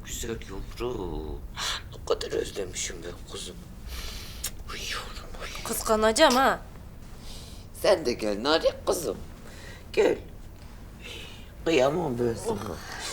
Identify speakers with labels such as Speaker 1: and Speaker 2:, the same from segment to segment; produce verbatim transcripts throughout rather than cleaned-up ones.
Speaker 1: güzel yavrum. Ne kadar özlemişim ben kuzum. Uy yavrum uy.
Speaker 2: Kıskanacağım ha.
Speaker 1: Sen de gel narik kızım. Gel. Kıyamam ben sana.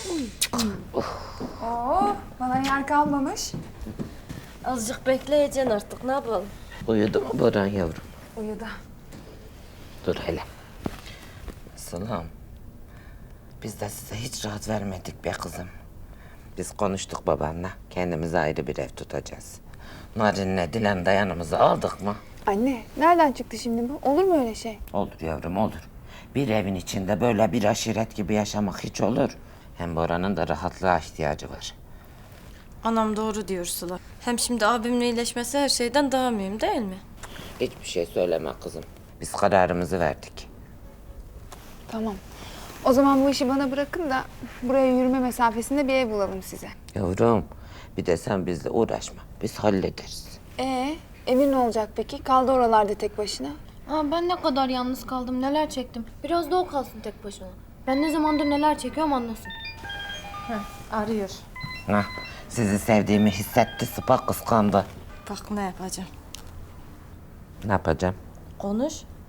Speaker 3: Oo, bana yer kalmamış.
Speaker 2: Azıcık bekleyeceksin artık, ne yapalım?
Speaker 1: Uyudu mu Boran yavrum?
Speaker 3: Uyudu.
Speaker 1: Dur hele. Sılam. Biz de size hiç rahat vermedik be kızım. Biz konuştuk babanla. Kendimize ayrı bir ev tutacağız. Narin'le Dilan da yanımıza aldık mı?
Speaker 3: Anne, nereden çıktı şimdi bu? Olur mu öyle şey?
Speaker 1: Olur yavrum olur. Bir evin içinde böyle bir aşiret gibi yaşamak hiç olur. Hem Boran'ın da rahatlığa ihtiyacı var.
Speaker 2: Anam doğru diyor Sıla. Hem şimdi abimin iyileşmesi her şeyden daha mühim değil mi?
Speaker 1: Hiçbir şey söyleme kızım. Biz kararımızı verdik.
Speaker 3: Tamam. O zaman bu işi bana bırakın da buraya yürüme mesafesinde bir ev bulalım size.
Speaker 1: Yavrum bir de sen bizle uğraşma. Biz hallederiz.
Speaker 3: Ee, evin ne olacak peki? Kaldı oralarda tek başına.
Speaker 4: Aa, ben ne kadar yalnız kaldım, neler çektim. Biraz da o kalsın tek başına. Ben ne zamandır neler çekiyorum anlasın.
Speaker 2: Arıyor.
Speaker 1: Hah, sizi sevdiğimi hissetti, Sıpa kıskandı.
Speaker 2: Bak ne yapacağım.
Speaker 1: Ne yapacağım?
Speaker 2: Konuş.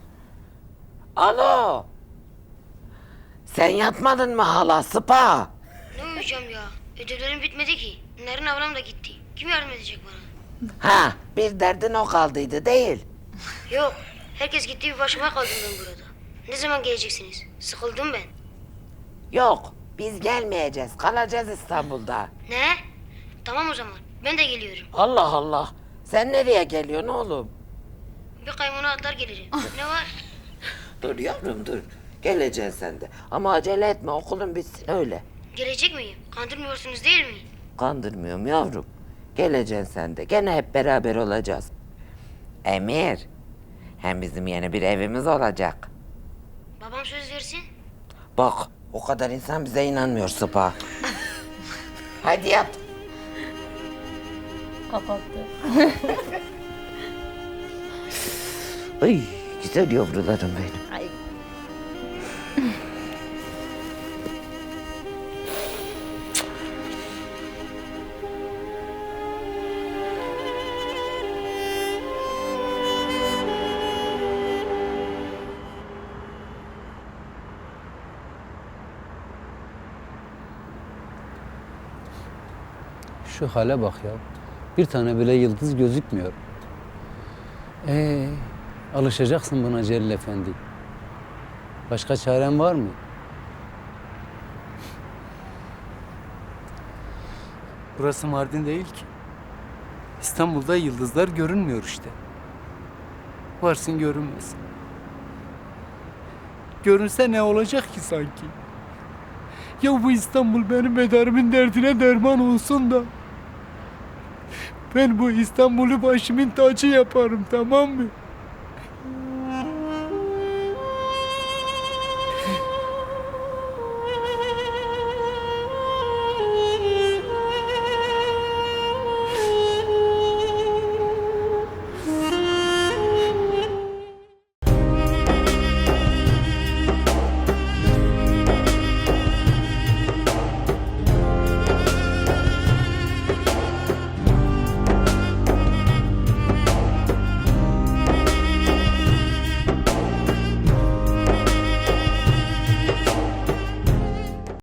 Speaker 1: Alo. Sen yatmadın mı hala Sıpa?
Speaker 5: Ne uyuyacağım ya? Ödevlerim bitmedi ki. Narin ablam da gitti. Kim yardım edecek bana?
Speaker 1: Ha, bir derdin o kaldıydı değil.
Speaker 5: Yok. Herkes gitti, bir başıma kaldım ben burada. Ne zaman geleceksiniz? Sıkıldım ben.
Speaker 1: Yok, biz gelmeyeceğiz. Kalacağız İstanbul'da.
Speaker 5: Ne? Tamam o zaman. Ben de geliyorum.
Speaker 1: Allah Allah. Sen nereye geliyorsun oğlum?
Speaker 5: Bir kaymana atlar gelirim. Ne var?
Speaker 1: Dur yavrum dur. Geleceksin sen de. Ama acele etme okulun bitsin öyle.
Speaker 5: Gelecek miyim? Kandırmıyorsunuz değil mi?
Speaker 1: Kandırmıyorum yavrum. Geleceksin sen de. Gene hep beraber olacağız. Emir. Hem bizim yeni bir evimiz olacak.
Speaker 5: Babam söz versin.
Speaker 1: Bak o kadar insan bize inanmıyor Sıpa. Hadi yat.
Speaker 2: Kapattı.
Speaker 1: Ay güzel yavrularım benim.
Speaker 2: Ay.
Speaker 6: Şu hale bak ya. Bir tane bile yıldız gözükmüyor. Ee, alışacaksın buna Celil Efendi. Başka çaren var mı?
Speaker 7: Burası Mardin değil ki. İstanbul'da yıldızlar görünmüyor işte. Varsın görünmesin. Görünse ne olacak ki sanki? Ya bu İstanbul benim medarımın derdine derman olsun da. Ben bu İstanbul'u başımın tacı yaparım, tamam mı?